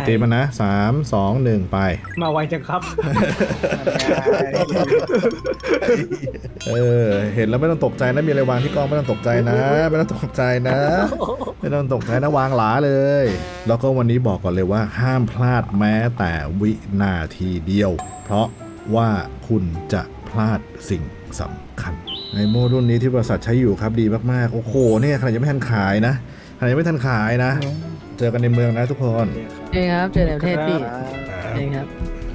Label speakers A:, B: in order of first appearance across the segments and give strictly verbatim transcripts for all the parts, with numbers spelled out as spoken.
A: เตรียมมันนะสามสองหนึ่งไป
B: มาไวจังครับ
A: เออเห็นแล้วไม่ต้องตกใจนะมีอะไรวางที่กล้องไม่ต้องตกใจนะไม่ต้องตกใจนะไม่ต้องตกใจนะวางหลาเลยแล้วก็วันนี้บอกก่อนเลยว่าห้ามพลาดแม้แต่วินาทีเดียวเพราะว่าคุณจะพลาดสิ่งสำคัญไอโมรุ่นนี้ที่บริษัทใช้อยู่ครับดีมากๆโอ้โหเนี่ยขนาดยังไม่ทันขายนะขนาดยังไม่ทันขายนะเจอกันในเมืองนะทุกคน
C: เองครับเจอในประเทศพี่เองครับ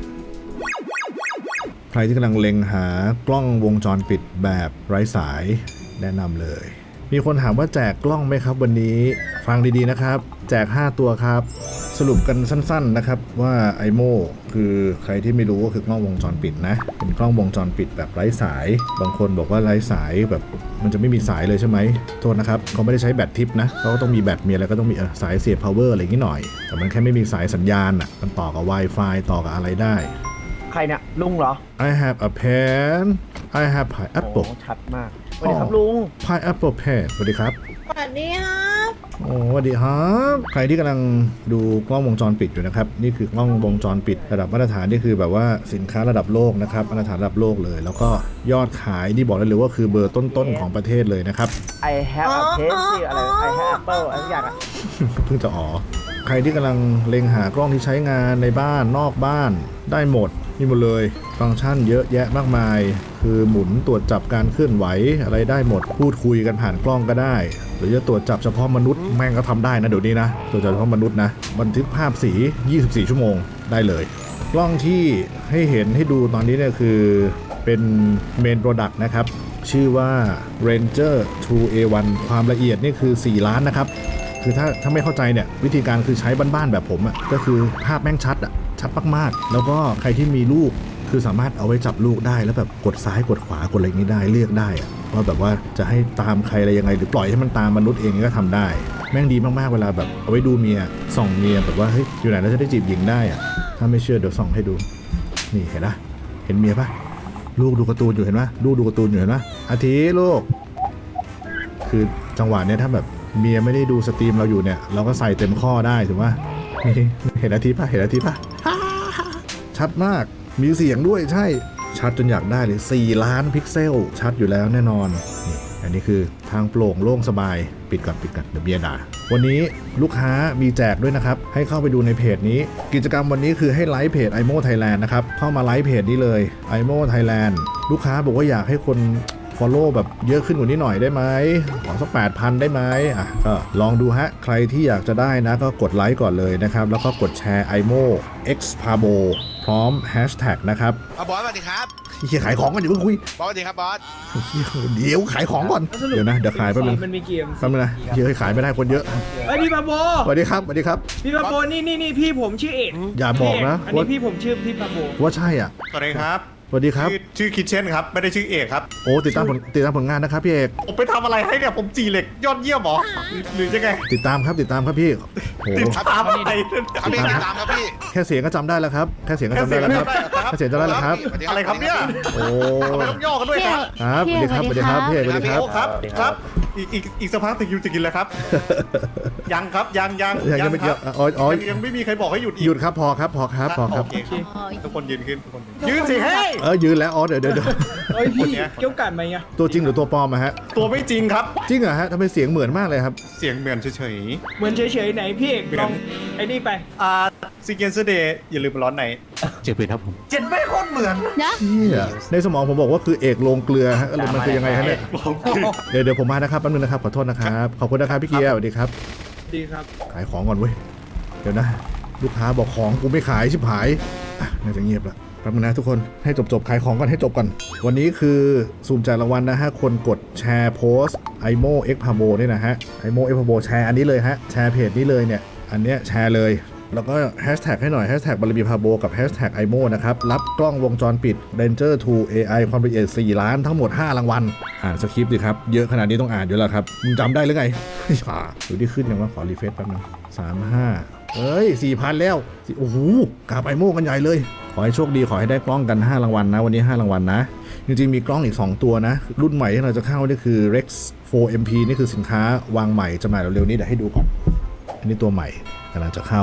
A: ใครที่กำลังเล็งหากล้องวงจรปิดแบบไร้สายแนะนำเลยมีคนถามว่าแจกกล้องไหมครับวันนี้ฟังดีๆนะครับแจกห้าตัวครับสรุปกันสั้นๆนะครับว่าไอโมคือใครที่ไม่รู้ก็คือกล้องวงจรปิดนะเป็นกล้องวงจรปิดแบบไร้สายบางคนบอกว่าไร้สายแบบมันจะไม่มีสายเลยใช่ไหมโทษนะครับเขาไม่ได้ใช้แบตทิปนะเขาก็ต้องมีแบตมีอะไรก็ต้องมีสายเสียบ power อะไรอย่างนี้หน่อยแต่มันแค่ไม่มีสายสัญญาณอ่ะมันต่อกับ Wi-Fi ต่อกับอะไรได้
B: ใครเนี่ยลุงเหรอ
A: I have a pen I have pineapple
B: ชัดมากสวัสดีครับลุง
A: pineapple pen สวัสดีครับ
D: สวัสดีครับ
A: โอ้สวัสดีครับใครที่กำลังดูกล้องวงจรปิดอยู่นะครับนี่คือกล้องวงจรปิดระดับมาตรฐานนี่คือแบบว่าสินค้าระดับโลกนะครับมาตรฐานระดับโลกเลยแล้วก็ยอดขายนี่บอกได้เลยว่าคือเบอร์ต้นๆของประเทศเลยนะครับ
B: I have a pen ชื่ออะไร I have apple อะไรทุกอย่างอะ
A: เพิ่งจะอ๋อใครที่กำลังเล็งหากล้องที่ใช้งานในบ้านนอกบ้านได้หมดมีหมดเลยฟังก์ชันเยอะแยะมากมายคือหมุนตรวจจับการเคลื่อนไหวอะไรได้หมดพูดคุยกันผ่านกล้องก็ได้หรือจะตรวจจับเฉพาะมนุษย์แม่งก็ทำได้นะเดี๋ยวนี้นะตรวจจับเฉพาะมนุษย์นะบันทึกภาพสียี่สิบสี่ชั่วโมงได้เลยกล้องที่ให้เห็นให้ดูตอนนี้เนี่ยคือเป็นเมนโปรดักต์นะครับชื่อว่า Ranger ทู เอ วัน ความละเอียดนี่คือสี่ล้านนะครับคือถ้าถ้าไม่เข้าใจเนี่ยวิธีการคือใช้บ้านๆแบบผมอ่ะก็คือภาพแม่งชัดอ่ะชัดมากๆแล้วก็ใครที่มีลูกคือสามารถเอาไว้จับลูกได้แล้วแบบกดซ้ายกดขวากดอะไรอย่างนี้ได้เลือกได้อะว่าแบบว่าจะให้ตามใครอะไรยังไงหรือปล่อยให้มันตามมนุษย์เองก็ทำได้แม่งดีมากๆเวลาแบบเอาไว้ดูเมียส่องเมียแบบว่าเฮ้ยอยู่ไหนแล้วจะได้จีบหญิงได้อ่ะถ้าไม่เชื่อเดี๋ยวส่องให้ดูนี่เห็นปะเห็นเมียปะลูกดูการ์ตูนอยู่เห็นปะลูกดูการ์ตูนอยู่เห็นปะอาทิลูกคือจังหวะเนี้ยถ้าแบบเมียไม่ได้ดูสตรีมเราอยู่เนี่ยเราก็ใส่เต็มข้อได้ถูกปะเห็นอาทิปะเห็นอาทิปะชัดมากมีเสียงด้วยใช่ชัดจนอยากได้เลยสี่ล้านพิกเซลชัดอยู่แล้วแน่นอนนี่อันนี้คือทางโปร่งโล่งสบายปิดก่อนปิดก่อนเดี๋ยวเบียร์ด่าวันนี้ลูกค้ามีแจกด้วยนะครับให้เข้าไปดูในเพจนี้กิจกรรมวันนี้คือให้ไลค์เพจ ไอ เอ็ม โอ Thailand นะครับเข้ามาไลค์เพจนี้เลย ไอ เอ็ม โอ Thailand ลูกค้าบอกว่าอยากให้คนfollow แบบเยอะขึ้นกว่านี้หน่อยได้ไหมขอสัก แปดพัน ได้ไหมอ่ะก็ลองดูฮะใครที่อยากจะได้นะก็กดไลค์ก่อนเลยนะครับแล้วก็กดแชร์ ไอ เอ็ม โอ X Pabo พร้อมแฮชแท็กนะครับ
E: บอสสวัสดีครับ
A: เฮียขายของกันอย่าเพิ่งคุย
E: บอสสวัสดีครับบอส
A: เดี๋ยวขายของก่อนเดี๋ยวนะเดี๋ยวขายแป๊บนึง
B: มันมีเกม
A: แป๊บนึงนะเฮียขายไม่ได้คนเยอะ
B: เฮ้ยพี่ปาโบ
A: สวัสดีครับสวัสดีครับ
B: พี่ปาโบนี่นี่นี่พี่ผมชื่อเอก
A: อย่าบอกนะ
B: อันนี้พี่ผมชื่อพี่ปาโบ
A: ว่าใช่อ่ะ
E: สวัสดีครับ
A: สวัสดีครับ
E: ชื่อคิดเช่นครับไม่ได้ชื่อเอกครับ
A: โอ้ติดตามผลติดตามผลงานนะครับพี่เอก
E: ผมไปทำอะไรให้เนี่ยผมจีเหล็กยอดเยี่ยมหรอหรือยังไง
A: ติดตามครับติดตามครับพี่
E: ติดตามอะไร
A: ติดตามครับพี่แค่เสียงก็จำได้แล้วครับแค่เสียงก็จำได้แล้วครับแค่เสียงจำได้แล้วครับ
E: อะไรครับเนี่ย
A: โอ้
E: ทำไมต้องย่อกันด้วยครับ
A: ครับสวัสดีครับสวัสดีครับพี่เอกสวัสดีครับ
E: ครับครับอีกอีกอีกสักพักถึงยูจะกินแล้วครับยังครับยังยัง
A: ยังไม่เกี่ยวอ๋ออ๋อ
E: ยังไม่มีใครบอกให้หยุด
A: หยุดครับพอครับพอครับพอครับ
E: ทุกคนยืนขึ้นทุกคนยืนสิเฮ้ย
A: เออยืนแล้วอ๋อเดี๋ยวเดี๋ยวเดี๋ยว
B: เฮ้ยพี่เกี่ยวกันไหมอ่ะ
A: ตัวจริงหรือตัวปลอมอะฮะ
E: ตัวไม่จริงครับ
A: จริงเหรอฮะทำไมเสียงเหมือนมากเลยครับ
E: เสียงเหมือนเฉย
B: ๆเหมือนเฉยๆไหนพี่เอกลองไอ้นี่ไป
E: อ่าซีเกนเซอร์เดย์อย่าลืมร้อนไหน
F: เจ็ดเป็นครับผม
E: เจ็ดไม่โคตรเหมือน
D: นะ
A: ในสมองผมบอกว่าคือเอกลงเกลือฮะมันคือยังไงฮะเนี่ยเดี๋ยวเดี๋ยวผมมานะครับแป๊บนึงนะครับขอโทษนะครับขอบคุณนะครับพี่เกียร์สวัสดีครับ
B: ดีครับ
A: ขายของก่อนเว้ยเดี๋ยวนะลูกค้าบอกของกูไม่ขายชิบหายน่าจะเงียบละแป๊บนึงนะทุกคนให้จบจบขายของกันให้จบก่อนวันนี้คือสุ่มแจกรางวัลนะฮะคนกดแชร์โพสต์ ไอ เอ็ม โอ X Pabo นี่นะฮะ ไอ เอ็ม โอ X Pabo แชร์อันนี้เลยฮะแชร์เพจนี้เลยเนี่ยอันเนี้ยแชร์เลยแล้วก็แฮชแท็กให้หน่อยแฮชแท็กบารมีพาโบกับแฮชแท็ก ไอ เอ็ม โอ นะครับรับกล้องวงจรปิด Ranger ทู เอ ไอ ความละเอียดสี่ล้านทั้งหมดห้ารางวัลอ่านสคริปต์ดิครับเยอะขนาดนี้ต้องอ่านอยู่แล้วครับมึงจำได้หรือไงดูที่ขึ้นยังว่าขอรีเฟรชแป๊บนึงสามห้าเอ้ย สี่พัน แล้วโอ้โหกราบไอโม่กันใหญ่เลยขอให้โชคดีขอให้ได้กล้องกันห้ารางวัลนะวันนี้ห้ารางวัลนะจริงๆมีกล้องอีกสองตัวนะรุ่นใหม่ที่เราจะเข้านี่คือ Rex โฟร์ เอ็ม พี นี่คือสินค้าวางใหม่จำหน่ายเร็วๆนี้เดี๋ยวให้ดูก่อนอันนี้ตัวใหม่กำลังจะเข้า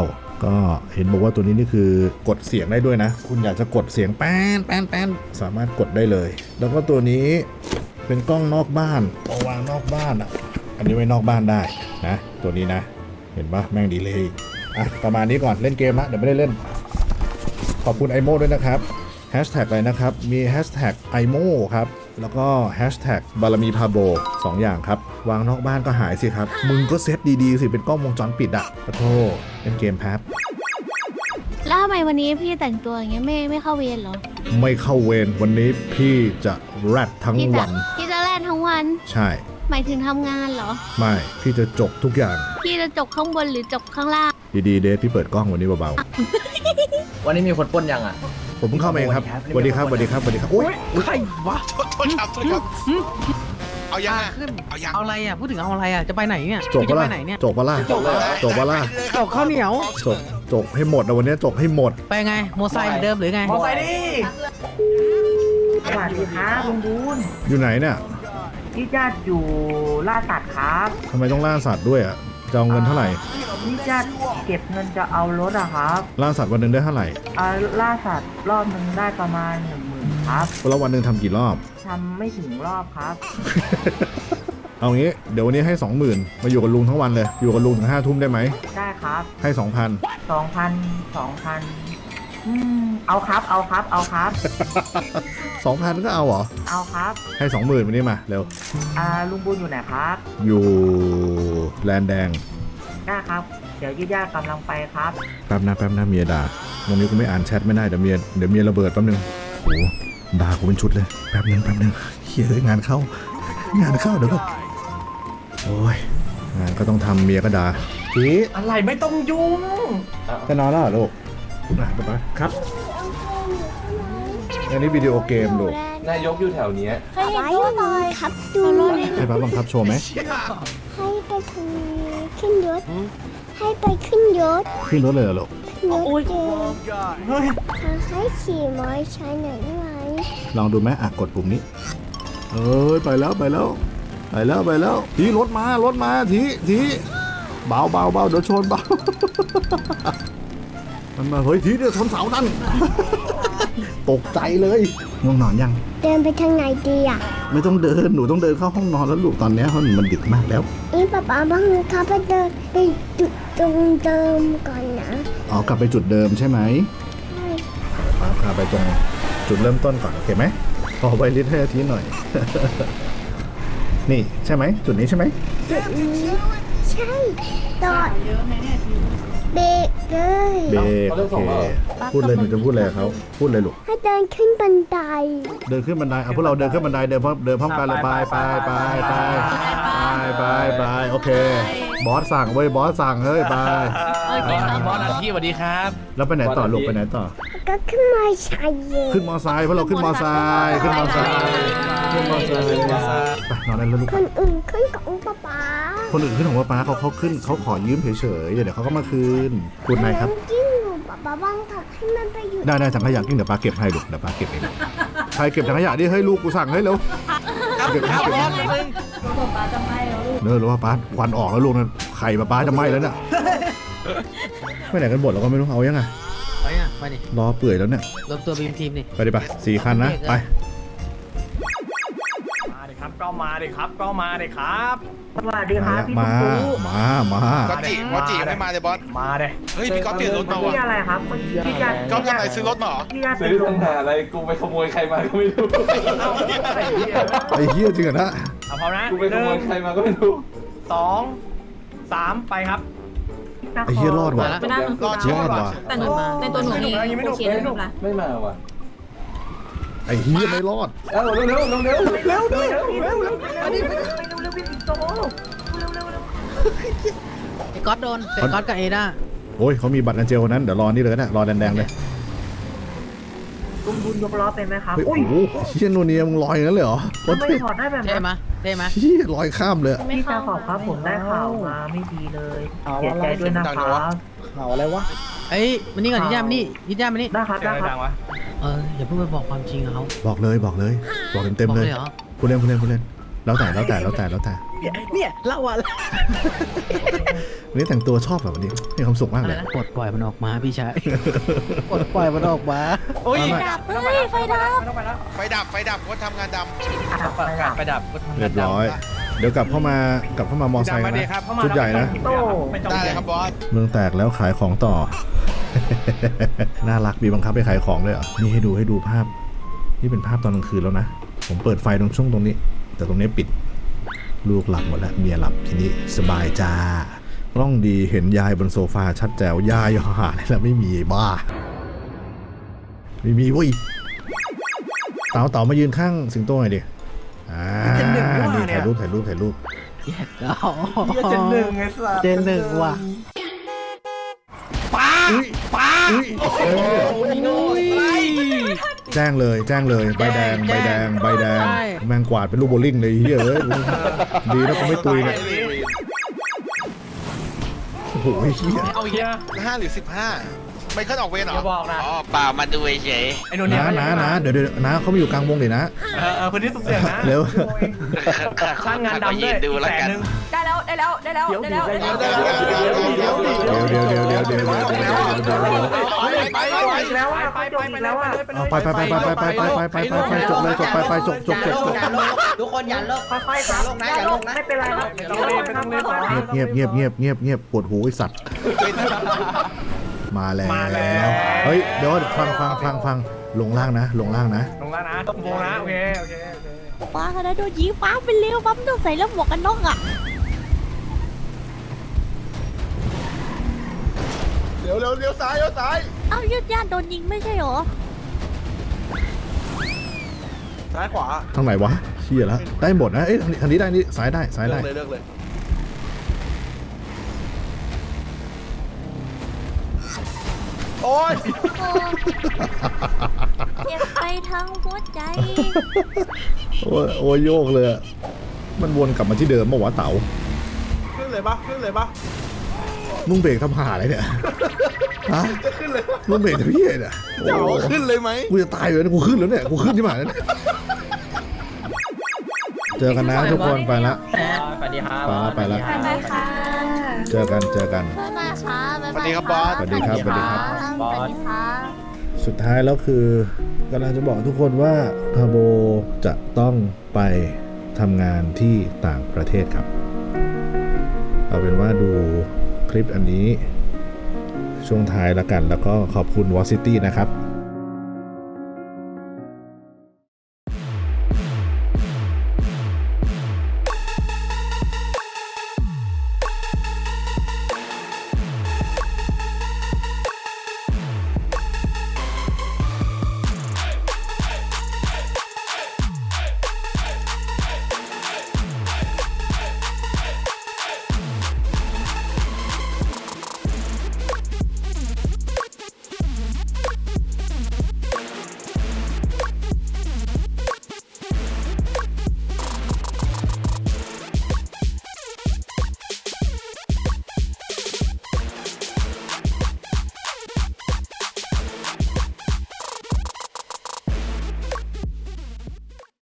A: ก็เห็นบอกว่าตัวนี้นี่คือกดเสียงได้ด้วยนะ คุณอยากจะกดเสียงแป้นแป้นแป้นสามารถกดได้เลย แล้วก็ตัวนี้เป็นกล้องนอกบ้านเอาวางนอกบ้านอ่ะอันนี้ไว้นอกบ้านได้นะตัวนี้นะเห็นปะแม่งดีเลยอีกอ่ะประมาณนี้ก่อนเล่นเกมละเดี๋ยวไม่ได้เล่นขอบคุณไอโมด้วยนะครับแฮชแท็กอะไรนะครับมีแฮชแท็กไอโมครับแล้วก็แฮชแท็กบารมีพาโบสองอย่างครับวางนอกบ้านก็หายสิครับมึงก็เซตดีๆสิเป็นกล้องวงจรปิดอะขอโทษเล่นเกมแป๊บ
D: แล้วทำไมวันนี้พี่แต่งตัวอย่างเงี้ยไม่ไม่เข้าเวรเหรอ
A: ไม่เข้าเวรวันนี้พี่จะแรดทั้ง
D: พี่จะ
A: วัน
D: พี่จะแล่นทั้งวัน
A: ใช่
D: หมายถึงทำงานเหรอ
A: ไม่พี่จะจกทุกอย่าง
D: พี่จะจกข้างบนหรือจกข้างล่าง
A: ดีๆเดทพี่เปิดกล้องวันนี้เบา
B: วันนี้มีคนปล้นยังอ่ะ
A: ๆผมเพิ่งเข้ามาเองครับสวัสดีครับสวัสดีครับสวัสดีครับโอ้ย
F: ใครวะโทษโทษครับโทษครับ เอายังอ่ะ
C: ขึ้น
F: เอายัง
C: เอาอะไรอ่ะ พูดถึงเอาอะไรอ่ะ จะไปไหนเนี่ย
A: จก
C: จะ
A: ปะ
C: ไป
A: ล่ะ
C: ไหนเนี่ย
A: จกปะล่ะจกปะล่ะ
C: จกข้าวเหนียว
A: จกจกให้หมดนะวันนี้จกให้หมด
C: ไปไง โมไซค์เหมือนเดิมหรือไง
B: มอไซค์ดิ
G: สวัสดีครับลุงบูน
A: อยู่ไหนเนี่ย
G: พี่ญาติอยู่ล่าสัตว์ครับ
A: ทำไมต้องล่าสัตว์ด้วยอ่ะจะเอาเงินเท่าไหร่
G: พี่ญาติเก็บเงินจะเอารถอะครับ
A: ล่าสัตว์วันหนึ่งได้เท่าไหร่
G: อ่าล่าสัตว์รอบหนึ่งได้ประมาณหนึ่งหมื่นครับ
A: แล้ววันหนึ่งทำกี่รอบ
G: ทำไม่ถึงรอบครับ
A: เอางี้เดี๋ยววันนี้ให้สองหมื่นมาอยู่กับลุงทั้งวันเลยอยู่กับลุงถึงห้าทุ่มได้ไหม
G: ได้ครับ
A: ให้สองพัน
G: สองพันสองพันอืมเอาครับเอาครับเอาครับ
A: สองพันก็เอาเหรอ
G: เอาครับ
A: ให้สองหมื่นวันนี้มาเร็ว
G: อ่าลุงบูนอยู่ไหนครับ
A: อยู่แลนแดง
G: ได้ครับ เดี๋ยวญาติกำลังไปครับ
A: แป๊บนะแป๊บนะเมียด่าวันนี้กูไม่อ่านแชทไม่ได้เดี๋ยวเมียเดี๋ยวเมียระเบิดแป๊บนึงโอ้ด่ากูเป็นชุดเลยแป๊บนึงแป๊บนึงเฮียเอ้ยงานเข้างานเข้าเดี๋ยวก็โอ้ยงานก็ต้องทำเมียก็ด่าจี
B: อะไรไม่ต้องยุ่ง
A: จะนอนแล้วเหรอลูกอ่ะป๊าป๊าครับอันนี้วิดีโอเกมลูก
H: นายกอยู่แถวเนี้ย
D: ให้ดูหน่อยครับดูหน่อย
A: ให้ป๊าบังคับโชว์ไหม
D: ให้ไปถึงขึ้นยศให้ไปขึ้นยศ
A: ขึ้นรถเลยเหรอลูก
D: ยศเจให้ขี่มอเตอร์ไซค์หน่อยได้ไหม
A: ลองดูไหมอ่ะกดปุ่มนี้เอ้ยไปแล้วไปแล้วไปแล้วไปแล้วทีรถมารถมาทีทีเบาเบาเบาเดี๋ยวชนเบา มันมาเฮ้ยทีเดี๋ยวชนเสานั่น ตกใจเลยง่วงนอนยัง
D: เดินไปทางไหนดีอ่ะ
A: ไม่ต้องเดินหนูต้องเดินเข้าห้องนอนแล้วลูกตอนเนี้ยเพราะมันดึกมากแล้ว
D: นี่ป๊าป๊าบ้างเขาไปเดินไปจุดตรงเดิมก่อนนะ
A: อ๋อกลับไปจุดเดิมใช่ไหม
D: ใช่
A: ป้าพาไปตรงจุดเริ่มต้นก่อนโอเคไหมขอไปลิทให้อาทิตย์หน่อย นี่ใช่ไหมจุดนี้ใช่ไหม
D: จุดนี้ใช่ตอดเบรกเลย
A: เบรกโอเคพูดเลยหนูจะพูดอะไรกับเขาพูดเลยลูก
D: ให้เดินขึ้นบันได
A: เดินขึ้นบันไดเอาพวกเราเดินขึ้นบันไดเดินพร้อมเดินพร้อมกันเลยไปไปไปไปไปไปไปโอเคบอสสั่งเว้ยบอสสั่งเฮ้ยไป
B: บอสอาทีสวัสดีครับ
A: แล้วไปไหนต่อลูกไปไหนต่อ
D: ก็ขึ้นมาใช้เลย
A: ขึ้นมอไซค์เพราะเราขึ้นมอไซค์ขึ้นมอไซค์ขึ้นมอไซค์ไปนอนได้แล้วลูก
D: คนอื่นขึ้นของป๊าป๊า
A: คนอื่นขึ้นของป้าเขาเขาขึ้นเขาขอยืมเฉยๆเดี๋ยวเขาก็มาคืนคุณนายครับ
D: ยิ่งอยู่ป๊าป๊าบ้างถักให้มันไปอยู่
A: ได้ได้ถังขยะกิ้งเดี๋ยวป้าเก็บให้ลูกเดี๋ยวป้าเก็บเองใครเก็บถังขยะดิเฮ้ยลูกกูสั่งให้เร็วเก็บให้เก็บให้เนอะหรือว่าป้าควันออกแล้วลูกนั่นไข่ป้าป้าจะไหม้แล้วเนี่ยไปไหนกันหมดเราก็ไม่รู้เอายังไง
C: ไปอ่ะ ไปดิ
A: รอเปื่อยแล้วเนี่ย
C: รวมตัวบีมทีมนี่
A: ไปดิป่ะสี่คันนะไป
B: มาดิครับก็มาดิครับก็มาดิครับ
G: สวัสดีครับพี่
A: มา
G: ลุงบู
A: มามา
F: ก็จิก็จิไม่มาเลยบอส
B: มาเด้
F: เฮ้ย พี่ก๊อฟเปลี่ยนรถมา
G: พี่
F: ว่ะ
G: อะไรครับพี่ญาติ
F: ก๊อฟยังไงซื้อรถมาเหรอ
G: พี่ญาติ
H: ซื้อปัญหาอะไร กูไปขโมยใครมาก็ไม่รู้
A: ไอ้เหี้ยจริงเหรอนะ
B: เอาพร้อมนะ
H: กูไป
B: ห
H: ข
B: นึ่
H: โมย
B: ง
H: ใครมาก็ไม่รู้
B: สองสามไปครับ
A: ไอ้เหี้ยรอดว่ะ
C: มาแล้ว
F: รอดเชื่อ
A: รอด
F: รอด
A: ว่ะ
I: แต่หนูในตัวหนูมีโอเคนะลูกนะ
H: ไม่มาว่ะ
A: ไอ้เหี้ยไม่รอด
H: เอ้าเร็วเร็วเร็วเร็ว
G: เร็วเร็วเร็วเร็วเร็วเร็วเร็วเร็วเร็วพี่สิงโตเร็วเร็วเร็ว
C: ไอ้ก๊อตโดนไอ้ก๊อตกับเอด้า
A: โอ้ยเขามีบัตรอันเจลคนนั้นเดี๋ยวรอนี่เลยก็ได้รอแดงๆเลย
G: ลุงบุญยกล้อเป็นไหมครับ
A: เฮ้ย
G: อุ้ย
A: โอ้โหเชี่ยโนเนียมึงลอยอย่างนั้นเลยเหรอโคตร
G: ทำไม
A: เท่
G: ถอดได้แบบ
C: เท่
G: นั้น
C: ไหมเท่ไหม
A: เชี่ยลอยข้ามเลย
G: พี่จะสอบครับผมได้ข่าวมาไม่ดีเลยเสียใจด้วยนะครับ
B: ข่าวอะไรวะ
C: เอ้ยมันนี่ก่อนยิดย่ามันนี่ยิดย่ามันนี่
G: ได้ครับ
B: เจอ
G: ได้
B: อะไร
G: ครั
B: ดั
G: บ
B: งวะ
C: เอออย่าเพิ่งไปบอกความจริงกับเขา
A: บอกเลยบอกเลยบอกเต็ม
C: บอ
A: ๆ
C: ก
A: เล
C: เลย ยเหรอ
A: ผู้เล่นผู้เล่นผู้เล่นแล้วแต่แล้วแต่แล้วแต่แล้วแต่
C: เนี่ยเนี่ยเล่าอะไร
A: วันนี้แต่งตัวชอบแบบวันนี้มีความสุขมากเลย
C: นะปลดปล่อยมันออกมาพี่ชายปลดปล่อยมันออกมา
E: โอ้ย
D: ดับเฮ้ยไฟดับ
E: ไม่ต้องไปแล้ว
F: ไฟดับไฟดับก็ทำงานด
B: ประกาศไฟดับ
A: เรียบร้อย เดี๋ยวกลับเข้ามากลับเข้ามามอไซค์กันนะชุดใหญ่นะ
E: โต้
F: ำได้เลยครับบอส
A: เมืองแตกแล้วขายของต่อ น่ารักมีบังคับไปขายของเลยเหรอนี่ให้ดูให้ดูภาพ นี่เป็นภาพตอนกลางคืนแล้วนะ ผมเปิดไฟตรงช่วงตรงนี้ แต่ตรงนี้ปิด ลูกหลับหมดแล้วเมียหลับทีนี้สบายจ้ากล้องดีเห็นยายบนโซฟาชัดแจ๋วยายหาอะไรแล้วไม่มีบ้า ไม่มีเว้ยเต๋าเต๋ามายืนข้างสิงโตหน่อยดิอ่านี่ถ่ายรูปถ่ายรูปถ่ายรูป
C: แยกเอา
B: เจนหนึ่งไงสัส
C: เจนหนึ่งว่ะ
A: แจ้งเลยแจ้งเลยใบแดงใบแดงใบแดงแมงกวาดเป็นลูกโบลิ่งเลยเฮ้ยเอ้ยดีนะกูไม่ตุยเนี่ยโอ้โหเฮีย
E: เอาเฮีย
F: ห้าหรือสิบห้าไม่ขึ้นออกเวรเหรอ
E: อย่าบอกนะ
F: อ๋อเปล่ามาดูเฉย
E: ไอ้หนุ่นเนี่ย
A: นะนะนะเดี๋ยวเดี๋ยวนะเขามาอยู่กลางวงเดี๋ยวนะ
E: เออเออพื้นที่สุ่มเสี่ยงนะ
A: เร็ว
E: ช่างงานดำด้วย
F: ดู
E: อีก
F: แล้ว
E: แสน
F: กัน
E: หนึ่ง
I: ได้แล้วได้แล้วได้แล้วได้แล้วได้แล้ว
A: เดี๋ยวเดี๋ยวเดี๋ยวเดี๋ยวเดี๋ยวเดี๋ยวเดี๋ยวเดี๋ยวเดี๋ยว
E: ไปไปไปแล้วอ่ะไปไปไปแล้วอ่ะ
A: เอาไปไปไปไปไปไปไปไปไปไปจบเลยจบไปไปจบจบจบจบ
C: ทุกคนอย่าโลก
G: ค่อยๆครับอย่าลงนะไม่เป็นไรครับ
E: ไม่ต้องเล่นไม่ต้องเล่น
A: เงียบเงียบเงียบเงียบเงียบปวดหูไอสัตว์มาแล้ว
E: มาแล้ว
A: เฮ้ยเดี๋ยวฟังฟังฟังฟังลงล่างนะลงล่างนะ
E: ลงแล้วนะต้องโมงนะโอเคโอเคโอเค
D: ป้าคณะโดนยิงป้าไปเร็วป้าไม่ต้องใส่แล้วหมวกกันน็อกอ่ะ
F: เดี๋ยวเร็วเลี้ยวซ้ายเลี้ยวซ้าย
D: เอ้ายืดย่านโดนยิงไม่ใช่เหรอ
F: ซ้ายขวา
A: ทางไหนวะเชี่ยแล้วได้หมดนะเอ้ยทางนี้ได้นี่ซ้ายได้ซ้าย
F: เลื
A: ได้
F: อกเลยเลือกเลย โอ้ย
D: เจ็บไปทั้งหัวใจ
A: โอ้ยโอ้ยโยกเลยอะมันวนกลับมาที่เดิมเมื่อวะเต๋า
F: ขึ้นเลยปะขึ้นเลยปะ
A: มึงเบรกทำหาอะไรเนี่ยฮะ
F: จะขึ้นเลยปะ
A: มึงเบรกทำเหี้ยเนี่ย
F: เดี๋ยวขึ้นเลยไหม
A: กูจะตายอยู่แล้วกูขึ้นแล้วเนี่ยกูขึ้นที่หมาแล้วเนี่ยเจอกันนะทุกคนไปละ
B: สวัสดีครับ
A: ไปละไปละ
I: ไปค่ะ
A: เจอกันเจอกัน
D: บ๊ายบายค่ะบ๊าย
F: สวั
D: บา
F: ส
D: ย
F: ดีครับบอส
A: สวัสดีครับสวัสดีครับ
D: สวัสดีค่ะ
A: สุดท้ายแล้วคือกำลังจะบอกทุกคนว่าพาโบจะต้องไปทำงานที่ต่างประเทศครับ เอาเป็นว่าดูคลิปอันนี้ช่วงท้ายแล้วกัน แล้วก็ขอบคุณวอซิตี้นะครับ